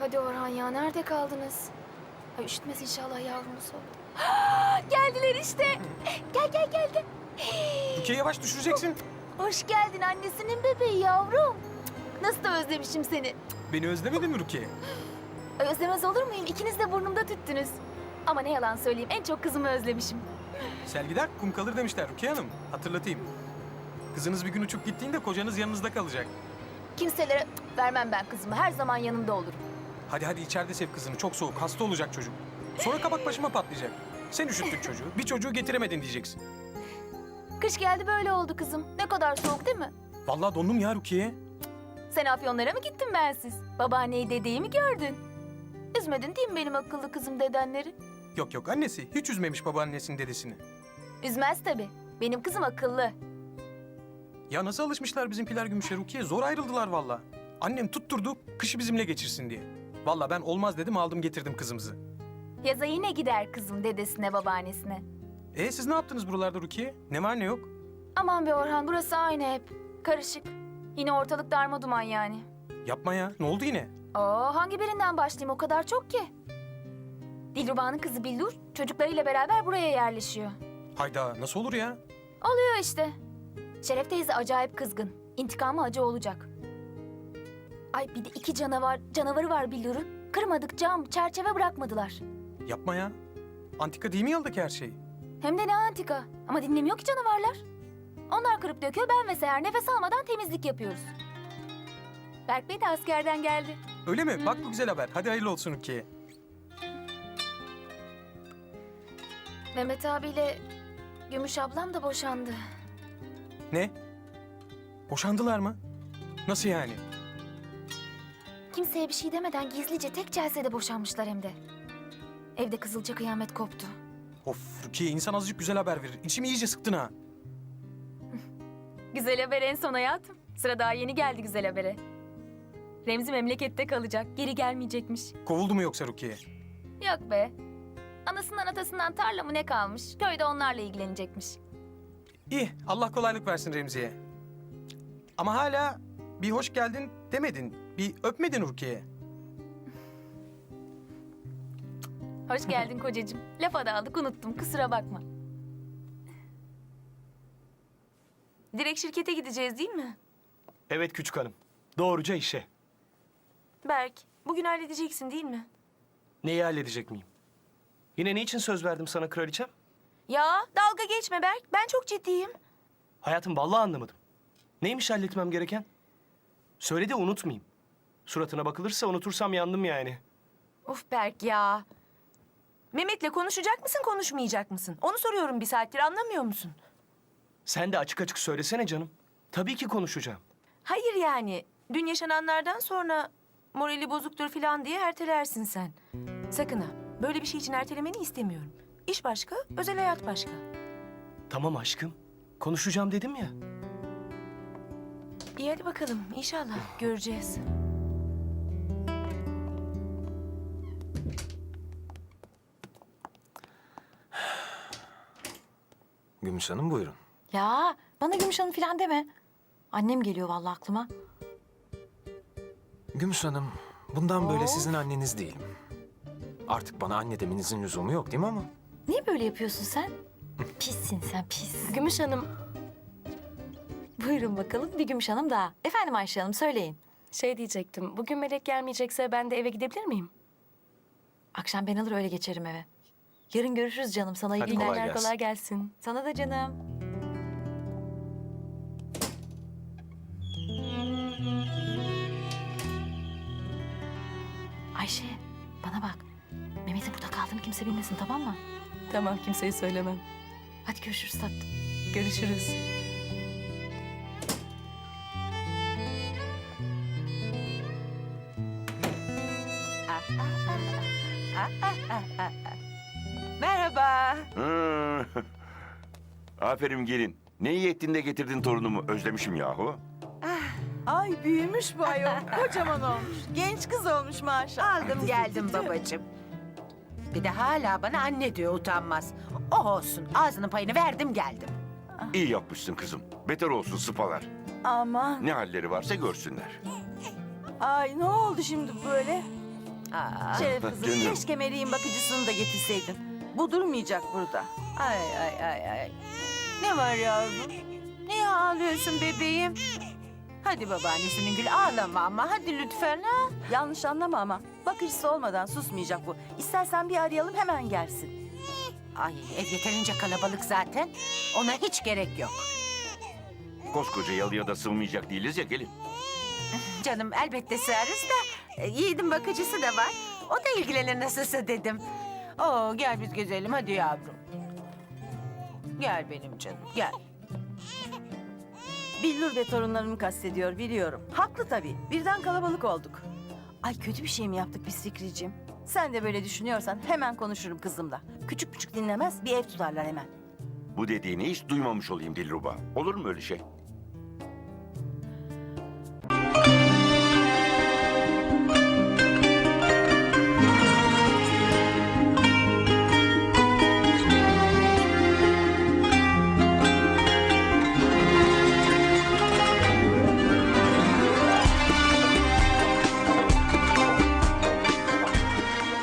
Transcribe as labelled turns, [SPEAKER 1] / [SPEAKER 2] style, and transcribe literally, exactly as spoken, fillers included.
[SPEAKER 1] Hadi Orhan ya, nerede kaldınız? Ay üşütmez inşallah yavrumuz oldu. Geldiler işte. Gel gel gel gel.
[SPEAKER 2] Rukiye yavaş düşüreceksin.
[SPEAKER 1] Hoş geldin annesinin bebeği yavrum. Nasıl da özlemişim seni.
[SPEAKER 2] Beni özlemedin mi Rukiye?
[SPEAKER 1] Ay, özlemez olur muyum? İkiniz de burnumda tüttünüz. Ama ne yalan söyleyeyim, en çok kızımı özlemişim.
[SPEAKER 2] Sel gider kum kalır demişler Rukiye Hanım. Hatırlatayım. Kızınız bir gün uçup gittiğinde kocanız yanınızda kalacak.
[SPEAKER 1] Kimselere vermem ben kızımı. Her zaman yanında olurum.
[SPEAKER 2] Hadi hadi içeride sev kızını. Çok soğuk. Hasta olacak çocuk. Sonra kabak başıma patlayacak. Sen üşüttün çocuğu. Bir çocuğu getiremedin diyeceksin.
[SPEAKER 1] Kış geldi böyle oldu kızım. Ne kadar soğuk değil mi?
[SPEAKER 2] Vallahi dondum ya Rukiye.
[SPEAKER 1] Sen Afyonlara mı gittin bensiz? Babaanneyi, dedeyi mi gördün? Üzmedin değil mi benim akıllı kızım dedenleri?
[SPEAKER 2] Yok yok annesi. Hiç üzmemiş babaannesinin dedesini.
[SPEAKER 1] Üzmez tabii. Benim kızım akıllı.
[SPEAKER 2] Ya nasıl alışmışlar bizimkiler Gümüş'e Rukiye? Zor ayrıldılar vallahi. Annem tutturdu kışı bizimle geçirsin diye. Vallahi ben olmaz dedim aldım getirdim kızımızı.
[SPEAKER 1] Yaza yine gider kızım dedesine, babaannesine.
[SPEAKER 2] E siz ne yaptınız buralarda Rukiye? Ne var ne yok?
[SPEAKER 1] Aman be Orhan, burası aynı hep. Karışık. Yine ortalık darma duman yani.
[SPEAKER 2] Yapma ya. Ne oldu yine?
[SPEAKER 1] Oo, hangi birinden başlayayım? O kadar çok ki. Dilruba'nın kızı Billur çocuklarıyla beraber buraya yerleşiyor.
[SPEAKER 2] Hayda nasıl olur ya?
[SPEAKER 1] Oluyor işte. Şeref teyze acayip kızgın. İntikamı acı olacak. Ay bir de iki canavar, canavarı var Billur'un. Kırmadık cam, çerçeve bırakmadılar.
[SPEAKER 2] Yapma ya. Antika değil mi yaldaki her şey?
[SPEAKER 1] Hem de ne antika. Ama dinlemiyor ki canavarlar. Onlar kırıp döküyor, ben ve Seher nefes almadan temizlik yapıyoruz. Berk Bey de askerden geldi.
[SPEAKER 2] Öyle mi? Bak bu güzel haber. Hadi hayırlı olsun Rukiye.
[SPEAKER 1] Mehmet abiyle Gümüş ablam da boşandı.
[SPEAKER 2] Ne? Boşandılar mı? Nasıl yani?
[SPEAKER 1] Kimseye bir şey demeden gizlice tek celsede boşanmışlar hem de. Evde kızılca kıyamet koptu.
[SPEAKER 2] Of Rukiye insan azıcık güzel haber verir. İçimi iyice sıktın ha.
[SPEAKER 1] Güzel haber en son hayatım. Sıra daha yeni geldi güzel habere. Remzi memlekette kalacak, geri gelmeyecekmiş.
[SPEAKER 2] Kovuldu mu yoksa Rukiye?
[SPEAKER 1] Yok be. Anasından atasından tarla mı ne kalmış? Köyde onlarla ilgilenecekmiş.
[SPEAKER 2] İyi Allah kolaylık versin Remzi'ye. Ama hala bir hoş geldin demedin. Bir öpmedin Rukiye'ye.
[SPEAKER 1] Hoş geldin kocacığım. Lafa daldık unuttum, kusura bakma. Direkt şirkete gideceğiz değil mi?
[SPEAKER 3] Evet küçük hanım. Doğruca işe.
[SPEAKER 4] Berk, bugün halledeceksin değil mi?
[SPEAKER 3] Neyi halledecek miyim? Yine ne için söz verdim sana kraliçem?
[SPEAKER 4] Ya dalga geçme Berk, ben çok ciddiyim.
[SPEAKER 3] Hayatım vallahi anlamadım. Neymiş halletmem gereken? Söyle de unutmayayım. Suratına bakılırsa unutursam yandım yani.
[SPEAKER 4] Of Berk ya. Mehmet'le konuşacak mısın, konuşmayacak mısın? Onu soruyorum bir saattir, anlamıyor musun?
[SPEAKER 3] Sen de açık açık söylesene canım. Tabii ki konuşacağım.
[SPEAKER 4] Hayır yani, dün yaşananlardan sonra morali bozuktur falan diye ertelersin sen. Sakın ha, böyle bir şey için ertelemeni istemiyorum. İş başka, özel hayat başka.
[SPEAKER 3] Tamam aşkım. Konuşacağım dedim ya.
[SPEAKER 4] İyi hadi bakalım, inşallah göreceğiz.
[SPEAKER 5] Gümüş Hanım buyurun.
[SPEAKER 6] Ya bana Gümüş Hanım falan deme. Annem geliyor vallahi aklıma.
[SPEAKER 5] Gümüş Hanım, bundan böyle sizin anneniz değilim. Artık bana anne demenizin lüzumu yok değil mi ama?
[SPEAKER 6] Niye böyle yapıyorsun sen? Pissin sen pis.
[SPEAKER 4] Gümüş Hanım,
[SPEAKER 6] Buyurun bakalım bir Gümüş Hanım daha. Efendim Ayşe Hanım söyleyin.
[SPEAKER 4] şey diyecektim, bugün Melek gelmeyecekse ben de eve gidebilir miyim?
[SPEAKER 6] Akşam ben alır öyle geçerim eve. Yarın görüşürüz canım. Sana iyi
[SPEAKER 5] Hadi
[SPEAKER 6] günler.
[SPEAKER 5] kolay gelsin.
[SPEAKER 4] Kolay gelsin.
[SPEAKER 6] Sana da canım. Ayşe bana bak. Mehmet'in burada kaldığını kimse bilmesin tamam mı?
[SPEAKER 4] Tamam, kimseye söylemem.
[SPEAKER 6] Hadi görüşürüz tatlım.
[SPEAKER 4] Görüşürüz.
[SPEAKER 7] Merhaba.
[SPEAKER 8] Hı. Aferin gelin. Ne iyi ettin de getirdin torunumu. Özlemişim yahu.
[SPEAKER 7] Ay büyümüş bu ayol. Kocaman olmuş. Genç kız olmuş maşallah. Aldım geldim babacığım. Bir de hala bana anne diyor utanmaz. Oh olsun ağzının payını verdim geldim.
[SPEAKER 8] İyi yapmışsın kızım. Beter olsun sıpalar.
[SPEAKER 7] Aman.
[SPEAKER 8] Ne halleri varsa görsünler.
[SPEAKER 7] Ay ne oldu şimdi böyle? Aa,
[SPEAKER 9] Şeref kızım,
[SPEAKER 8] Canım.
[SPEAKER 9] keşke Meleğin bakıcısını da getirseydin. Bu durmayacak burada.
[SPEAKER 7] ay ay ay ay. Ne var yavrum? Niye ağlıyorsun bebeğim? Hadi babaannesinin gül ağlama ama hadi lütfen ha.
[SPEAKER 9] Yanlış anlama ama bakıcısı olmadan susmayacak bu. İstersen bir arayalım hemen gelsin.
[SPEAKER 7] Ay ev yeterince kalabalık zaten. Ona hiç gerek yok.
[SPEAKER 8] Koskoca yalıya da sığmayacak değiliz ya gelin.
[SPEAKER 7] Canım elbette sığarız da e, Yiğit'in bakıcısı da var. O da ilgilenir nasılsa dedim. Oo gel biz gezelim hadi yavrum. Gel benim canım gel.
[SPEAKER 9] Billur ve torunlarımı kastediyor biliyorum. Haklı tabii. Birden kalabalık olduk. Ay kötü bir şey mi yaptık biz Fikriciğim? Sen de böyle düşünüyorsan hemen konuşurum kızımla. Küçük küçük dinlemez bir ev tutarlar hemen.
[SPEAKER 8] Bu dediğini hiç duymamış olayım Dilruba. Olur mu öyle şey?